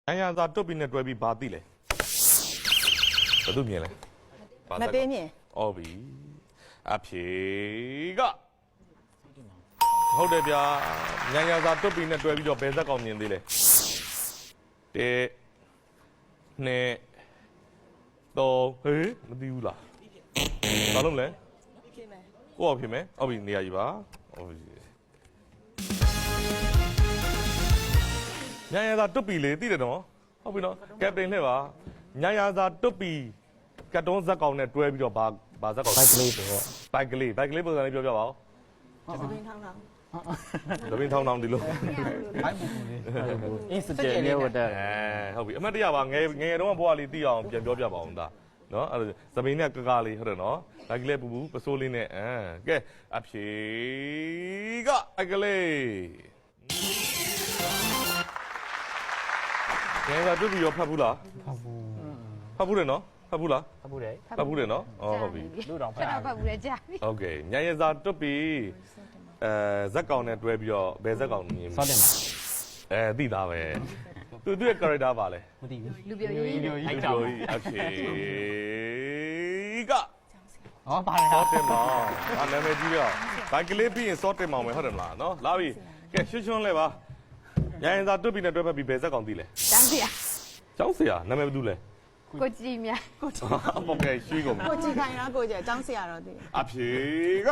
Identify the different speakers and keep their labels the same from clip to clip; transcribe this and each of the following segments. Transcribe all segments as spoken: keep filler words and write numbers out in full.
Speaker 1: ။နိုင်ငံသားတွတ်ပြီးနဲ့တွဲပြီးဘာသိလဲ။ဘာလို့မြင်လဲ။
Speaker 2: မသိမြင်
Speaker 1: ။အော်ပြီ။အဖြေကဟုတ်တယ်ဗျာ။နိုင်ငံသားတွတ်ပြီးနဲ့တွဲပြီးတော့ဘယ်ဇက်ကောင်မြင်သေးလဲ။တဲနဲ့တော့ဟေးမသိဘူးလား။ဘာလို့လဲ။
Speaker 2: ဖြစ်မယ်
Speaker 1: ကိုယ့်အောင်ဖြစ်မယ်။ဟုတ်ပြီနေရာကြီးပါ။ဟုတ်ပြီ။ညာရသာတွတ်ပီလေသိတယ်နော်ဟုတ်ပြီနော်ကပတိန်လှည့်ပါညာရသာတွတ်ပီကတ်တုံးဇက်ကောင်နဲ့တွဲပြီးတော့ဘာဘာဇက်ကောင်
Speaker 3: ဘိုက်ကလေးဆိုတော့
Speaker 1: ဘိုက်ကလေးဘိုက်ကလေးပုံစံလေးပြောပြပါဦး
Speaker 2: သပင်းထောင်းထောင်း
Speaker 1: တပင်းထောင်းထောင်းဒီလို
Speaker 3: ဘိုက်ပူပူလေးအင်းစကြယ်လေးဝတ်တဲ့
Speaker 1: အဲဟုတ်ပြီအမတ်တရပါငယ်ငယ်တုန်းကဘွားလေးသိအောင်ပြန်ပြောပြပါဦးဒါနော်အဲ့သပင်းနဲ့ကကားလေးဟုတ်တယ်နော်ဘိုက်ကလေးပူပူပစိုးလေးနဲ့အဲကဲအဖြေကအကလေးငယ်ကတွတ်ပြီးရောဖတ်ဘူးလား
Speaker 3: ဖတ်ဘူး
Speaker 1: ဖတ်ဘူးတယ်နော်ဖတ်ဘူးလား
Speaker 3: ဖတ်ဘူးလေ
Speaker 1: ဖတ်ဘူးတယ်နော်အော်ဟုတ်ပြီ
Speaker 3: လူတော်ဖ
Speaker 4: ဖ
Speaker 3: တ်
Speaker 4: တ်
Speaker 3: တာ
Speaker 4: တော့ဖတ်ဘူးလေကြာပြီ
Speaker 1: โอเคညရစာတွတ်ပြီးအဲဇက်ကောင်နဲ့တွဲပြီးတော့ဘယ်ဇက်ကောင်မြင်
Speaker 3: စောတင်ပါ
Speaker 1: အဲသိသားပဲသူသူ့ရဲ့ character ပါလဲ
Speaker 3: မသိဘူး
Speaker 4: လူပြောရေး
Speaker 3: လူ
Speaker 1: ဒီ
Speaker 3: ကြီး
Speaker 1: လိုကြီးအဖြေက
Speaker 3: ဟောပါတယ်
Speaker 1: စောတင်မောင်ဟာနာမည်ကြီးတော့ဘိုက်ကလေးပြီးရင်စောတင်မောင်ပဲဟုတ်တယ်မလားနော်လာပြီကဲရွှွှွှွှလဲပါညရစာတွတ်ပြီးနဲ့တွဲဖက်ပြီးဘယ်ဇက်ကောင်သိလဲ
Speaker 4: တန်းစီရ
Speaker 1: ကျောင်းဆရာနာမည်ဘာတူလဲ
Speaker 4: ကိုကြည်မြတ်
Speaker 2: ကိုကြည့်
Speaker 1: အပေါ်ကရွှေကုန်
Speaker 2: ကိုကြည့်ခိုင်းတာကိုကြည့်အကြောင်းဆရာတော်တည်
Speaker 1: အဖြေက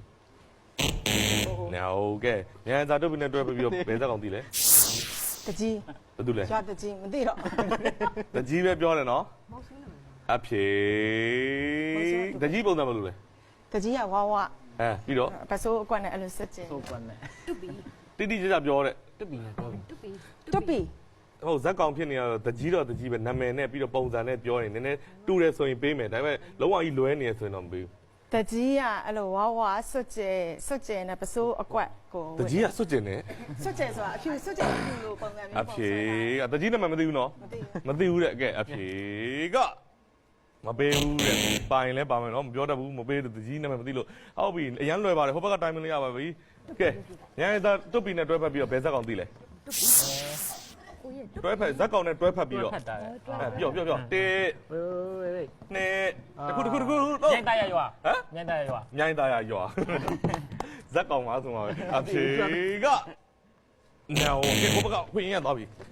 Speaker 1: နော်ကဲညရစာတွတ်ပြီးနဲ့တွဲဖက်ပြီးတော့ဘယ်ဇက်ကောင်သိလဲ
Speaker 2: တကြီး
Speaker 1: ဘာတူလဲ
Speaker 2: ရွာတကြီးမသိတော့
Speaker 1: တကြီးပဲပြောတယ်နော်အဖြေတကြီးပုံစံမလို့လဲ
Speaker 2: တကြီးကဝါဝ
Speaker 1: အဲပြီးတော့
Speaker 2: ပစိုးအကွက်နဲ့အဲ့လိုစစ်ကျင်
Speaker 3: သိုးကွက်နဲ့
Speaker 1: တိတိကျကျပြောတဲ့
Speaker 3: တက်ပြီနဲ့တော့ပြီ
Speaker 4: တူပီ
Speaker 2: တွတ်ပြီ
Speaker 1: ဟုတ်ဇက်ကောင်ဖြစ်နေရတော့တကြီးတော့တကြီးပဲနာမည်နဲ့ပြီးတော့ပုံစံနဲ့ပြောရင်နည်းနည်းတူတယ်ဆိုရင်ပေးမယ်ဒါပေမဲ့လုံးဝကြီးလွဲနေရဆိုရင်တော့မပေး
Speaker 2: တကြီးကအဲ့လိုဝါဝစွတ်ကျဲစွတ်ကျဲနဲ့ပစိုးအကွက်ကို
Speaker 1: ဘူးတကြီးကစွတ်ကျင်တယ်
Speaker 2: စွတ်ကျဲဆိုတာအဖြူစွတ်ကျဲအဖြူလိုပုံစံမျိုး
Speaker 1: အ
Speaker 2: ပုံ
Speaker 1: ဖြေ
Speaker 2: စံ
Speaker 1: ကတကြီးနာမည်မသိဘူးနော်
Speaker 2: မသိဘူး
Speaker 1: မသိဘူးတဲ့အကဲအဖြေကမပေးဘူးတဲ့ပိုင်လဲပါမယ်နော်မပြောတတ်ဘူးမပေးတဲ့တကြီးနာမည်မသိလို့ဟုတ်ပြီအရန်လွယ်ပါတယ်ဟိုဘက်ကတိုင်းမလို့ရပါပြီကဲညနေသားတွတ်ပီနဲ့တွဲဖက်ပြီးတော့ဘယ်ဇက်ကောင်သိလဲ
Speaker 4: ကိုရဲ့
Speaker 1: တွဲဖက်ဇက်ကောင်နဲ့တွဲဖက်ပြီးတော့
Speaker 3: ဖတ်တာလေ
Speaker 1: အဲပြောပြောပြောတေ
Speaker 3: ဝေးဝေးဝေး
Speaker 1: နှစ်တခုတခုတခု
Speaker 3: ညင်တရရွာ
Speaker 1: ဟမ်
Speaker 3: ညင်တရရွာ
Speaker 1: မြိုင်းသားရရွာဇက်ကောင်ပါဆိုမှာပဲအဖြေကနော်ဒီဘက်ကခွင့်ရသွားပြီ